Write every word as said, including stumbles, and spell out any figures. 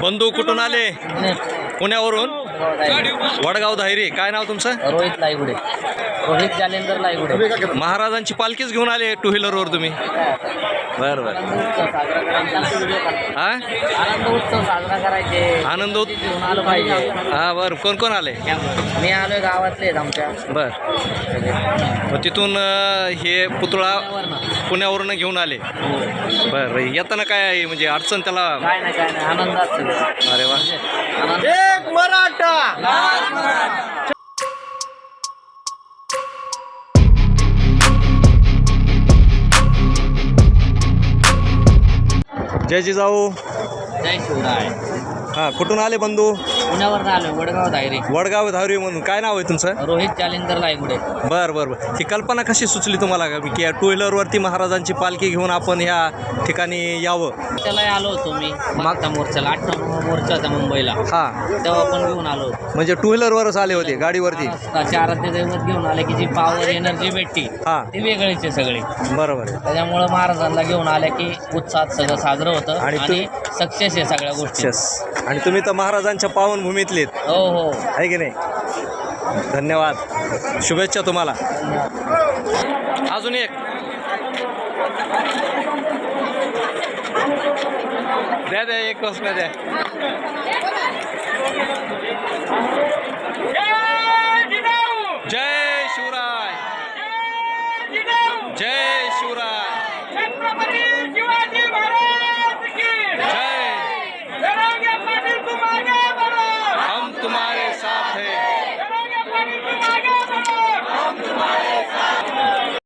बंधू कुठून आले? पुण्यावरून. वडगाव धायरी. काय नाव तुमचं? रोहित लायगुडे. रोहित जालेंदर लायगुडे. महाराजांची पालखीच घेऊन आले टू व्हीलरवर तुम्ही? बरं बरं. हा आनंद उत्सव साजरा करायचे. आनंद उत- घेऊन आलं पाहिजे. हा बरं. कोण कोण आले? मी आलोय गावातले आहेत आमच्या. बर. मग तिथून अं, हे पुतळा पुण्यावरून घेऊन आले. बरं. येताना काय आहे म्हणजे अडचण त्याला? काय नाही काय नाही आनंदात सगळं. अरे वा. आनंद. एक मराठा. जय जिजाऊ. जय शिवराय. हा कुठून आले बंधू? पुण्यावर आलोय वडगाव धायरी. वडगाव धावरी म्हणून. काय नाव आहे तुमचं? रोहित जालेंदर लायगुडे. बरं बरं बरं. ही कल्पना कशी सुचली तुम्हाला की टू व्हीलरवरती महाराजांची पालखी घेऊन आपण ह्या ठिकाणी यावं? त्याला आलो होतो मी मागच्या मोर्चाला. आठ नंबर मोर्चा होता मुंबईला. हां. तेव्हा पण घेऊन आलो होतो. म्हणजे टू व्हीलरवरच आले होते गाडीवरती? महाराष्ट्राचे आराध्य दैवत घेऊन आले की जी पॉवर एनर्जी भेटती हां. ती वेगळीच आहे सगळी. बरोबर आहे. त्याच्यामुळं महाराजांना घेऊन आल्या की उत्साहात सगळं साजरं होतं आणि आणि सक्सेस आहे सगळ्या गोष्टी. यस. आणि तुम्ही तर महाराजांच्या पावनभूमीतलेत हो हो. आहे की नाही? धन्यवाद. शुभेच्छा तुम्हाला. अजून एक द्या द्या एक प्रश्न द्या.